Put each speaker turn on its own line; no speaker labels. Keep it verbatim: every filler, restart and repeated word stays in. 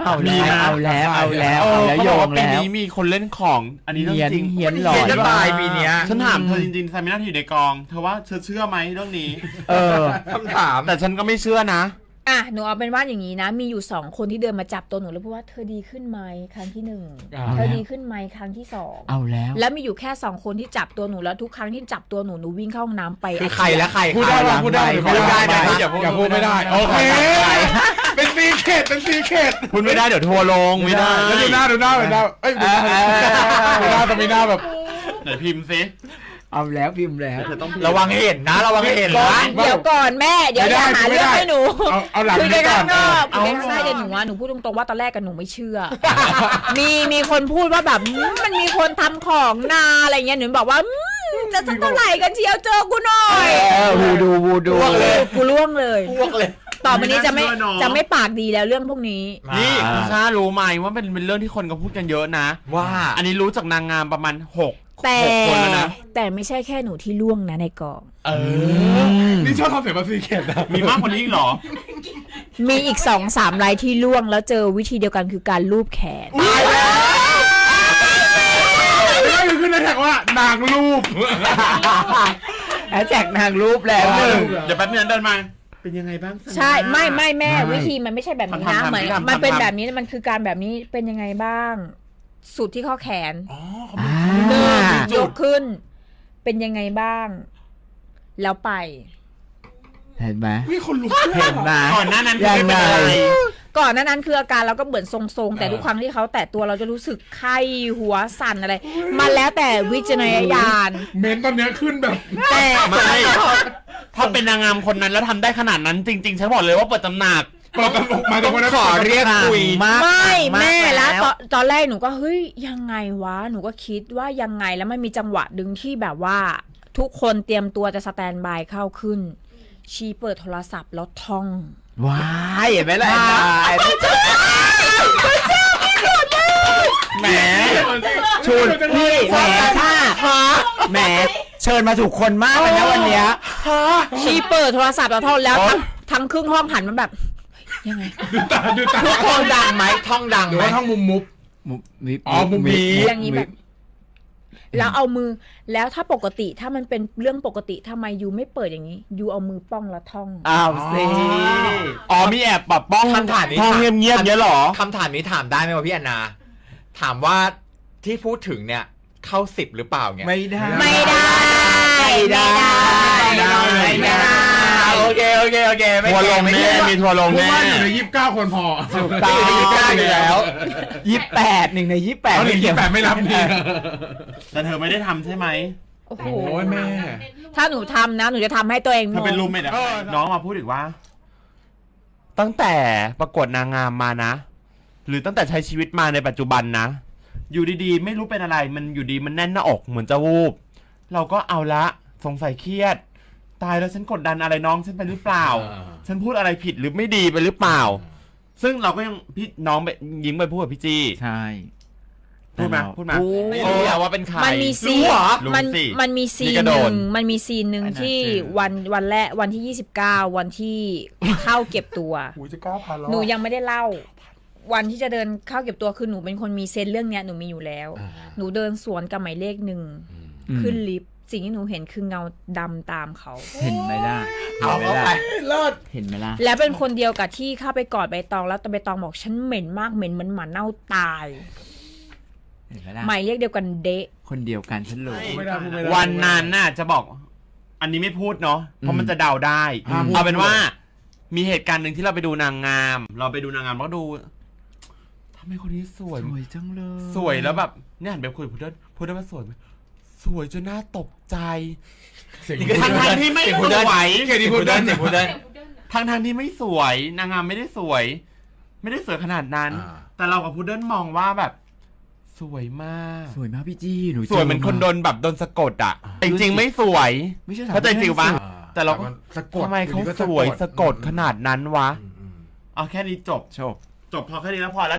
เอาแล้วเอาแล้วเอาแล้วเอาแล้วโยงแล้วปีนี้มีคนเล่นของอันนี้เรื่องจริง
เฮียนหลอนจะตายปีนี้
ฉันถามเธอจริงๆไซมิน่าที่อยู่ในกองเธอว่าเธอเชื่อไหมเรื่องนี้เออ
คำถาม
แต่ฉันก็ไม่เชื่อนะ
อ่ะหนูเอาเป็นว่าอย่างนี้นะมีอยู่สองคนที่เดินมาจับตัวหนูแล้วพูดว่าเธอดีขึ้นไหมครั้งที่หนึ่งเธอดีขึ้นไหมครั้งที่สอง
เอาแล้ว
แล้วมีอยู่แค่สองคนที่จับตัวหนูแล้วทุกครั้งที่จับตัวหนูหนูวิ่งเข้าห้องน้ำไป
คือใครและใคร
พูดได้พูดได้
พูดได้อย่าพูดไม่ได้โอเคเป็นซีเคทเป็นซีเคท
พูดไม่ได้เดี๋ยวทัวลงไม่ได้
แล้วดูหน้าดูหน้าดูหน้าเอ้ยดูหน้าดูหน้าต้องมีหน้าแบบ
ไหนพิมพ์ซิเอาแล้วพิมพ์แล้วเธอต้อง
ระวังเห็นนะระวังเห็นนะ
เดี๋ยวก่อนแม่เดี๋ยวจะหาเรื่องให้หนู
เอาหลัง
คุยกัน
ก่
อนคุยกันข้างนอกเดี๋ยวหนูว่าหนูพูดตรงๆว่าตอนแรกกันหนูไม่เชื่อมีมีคนพูดว่าแบบมันมีคนทำของนาอะไรเงี้ยหนูบอกว่าจะสักเท่าไหร่กันเชียวเจอกูหน่อย
วูดูวูดู
กูล่วงเลย
ล่วงเลย
ต่อไปนี้จะไม่จะไม่ปากดีแล้วเรื่องพวกนี้
นี่คุณชารู้ไหมว่าเป็นเป็นเรื่องที่คนก็พูดกันเยอะนะ
ว่า
อันนี้รู้จากนางงามประมาณหก
แต่แต่ไม่ใช่แค่หนูที่ล่วงนะในกอง
เออนี่ชอบทำเสียงแบบซีเคทนะ
มีมากกว่านี้อีกหรอ
มีอีกสองสามรายที่ล่วงแล้วเจอวิธีเดียวกันคือการลูบแขน
ตายแล้วนี่คือในแท็กว่านางรูป
แฮชแท็กนางรูปแล้วหนึ่งเดี๋ยวแป๊บนึงเดินมาเป็นยังไงบ้าง
ใช่ไม่ไม่แม่วิธีมันไม่ใช่แบบนี้นะเหมือนมันเป็นแบบนี้มันคือการแบบนี้เป็นยังไงบ้างสุดที่ข้อแขนเดินยกขึ้นเป็นยังไงบ้างแล้วไป
เห็นไหม
มีคนลุก
เห็นไหมก่อนหน้านั้นคือไม่เป็นไร
ก่อนหน้านั้นคืออาการเราก็เหมือนทรงๆแต่ทุกครั้งที่เขาแตะตัวเราจะรู้สึกไข้หัวสั่นอะไรมันแล้วแต่วิจารณญาณ
เมนตอนนี้ขึ้นแบบ
แต่
ไม่ถ้าเป็นนางงามคนนั้นแล้วทำได้ขนาดนั้นจริงๆฉันบอกเลยว่าเปิดตำหนัก
เปิดตำหนักมาตรงนั้น
ขอเรียกคุยมาก
ไม่แม่แล้วตอนแรกหนูก็เฮ้ยยังไงวะหนูก็คิดว่ายังไงแล้วมันมีจังหวะดึงที่แบบว่าทุกคนเตรียมตัวจะสแตนบายเข้าขึ้นชีเปิดโทรศัพท์แล้วท่อง
ว้ายเห็นไหมล่ะแหมชุดพี่แหมท่าแหมเชิญมาถูกคนมากเลยนะวันนี้
ชีเปิดโทรศัพท์แล้วท่องแล้วทั้งครึ่งห้องหันมันแบบยังไง
ดูตาดูตา
ทุกคนดังไหมท่องดังไหม
ท่องมุมมุบอ๋อมุมมี
อย่างนี้แบบแล้วเอามือแล้วถ้าปกติถ้ามันเป็นเรื่องปกติทำไมยูไม่เปิดอย่างนี้ยูเอามือป้องแล้วท่อง
อ้าวสิอ๋อมีแอบแบบป้อง
คำถามนี้
ท่องเงียบๆเงี้ยหรอ
คำถามนี้ถามได้ไหมวะพี่แอนนาถามว่าที่พูดถึงเนี่ยเข้าสิบหรือเปล่าเนี่ย
ไม่ได้
ไม่ได้
ไม่ได้ไม่ได้โอเคโอเคโอเคทัวร์ลงแน่มีทัวร์ลงแน่
อยู่ในยี่สิบเก้าคนพอ
ถูกต้องยี่สิบเก้าอยู่แล้วยี่สิบแปดหนึ่งในยี่สิบแปด
หนึ่งยี่สิบแปดไม่รับดี
แต่เธอไม่ได้ทำใช่ไหม
โอ้โห
แม่
ถ้าหนูทำนะหนูจะทำให้ตัวเอง
เธอเป็นรูมเมทน้องมาพูดอีกว่าตั้งแต่ประกวดนางงามมานะหรือตั้งแต่ใช้ชีวิตมาในปัจจุบันนะอยู่ดีๆไม่รู้เป็นอะไรมันอยู่ดีมันแน่นหน้าอกเหมือนจะวูบเราก็เอาละสงสัยเครียดตายแล้วฉันกดดันอะไรน้องฉันไปหรือเปล่าฉันพูดอะไรผิดหรือไม่ดีไปหรือเปล่าซึ่งเราก็ยังพี่น้องไปยิ้มไปพูดกับพี่จี
ใช่
พูดมาพูดมาไม่รู้ว่าเป็นใคร
มันมีซีนมันมันมีซีนหนึ่งมันมีซีนหนึ่งที่วันวันแรกวันที่ยี่สิบเก้าวันที่เข้าเก็บตัวหนูยังไม่ได้เล่าวันที่จะเดินเข้าเก็บตัวคือหนูเป็นคนมีเซนเรื่องเนี้ยหนูมีอยู่แล้วหนูเดินสวนกับหมายเลขหนึ่งขึ้นลิฟต์สิ่งที่หนูเห็นคือเงาดำตามเขา
เห็นไหมล่ะ
เอาเข้าไปเลิศ
เห็นไหมล่ะ
แล้วเป็นคนเดียวกับที่เข้าไปกอดใบตองแล้วแต่ใบตองบอกฉันเหม็นมากเหม็นเหมือนหมาเน่าตาย
เห็นไหมล่ะ
หมายเลขเดียวกันเดะ
คนเดียวกันฉันรู้
วันนั้นน่ะจะบอกอันนี้ไม่พูดเนาะเพราะมันจะเดาได้เอาเป็นว่ามีเหตุการณ์หนึ่งที่เราไปดูนางงามเราไปดูนางงามแล้วดูทำไมคนนี้สวย
สวยจังเลย
สวยแล้วแบบเนี่ยหันไปคุยพูดได้พูดได้ว่าสวยไหมสวยจนน่าตกใจทั้งทางที่ไม่สวย
เก่งที่พูดได้เก่งพูดได้
ทั้งทางที่ไม่สวยนางงามไม่ได้สวยไม่ได้สวยขนาดนั้นแต่เรากับพุดเดิ้ลมองว่าแบบสวยมาก
สวยมากพี่จี้หนู
สวยเหมือนคนโดนแบบโดนสะกดอ่ะจริงๆไม่สวยเข้าใจฟิลปะแต่เราทำไมเขาสวยสะกดขนาดนั้นวะเอาแค่นี้จบจบจบพอแค่นี้แล้วพอแล้ว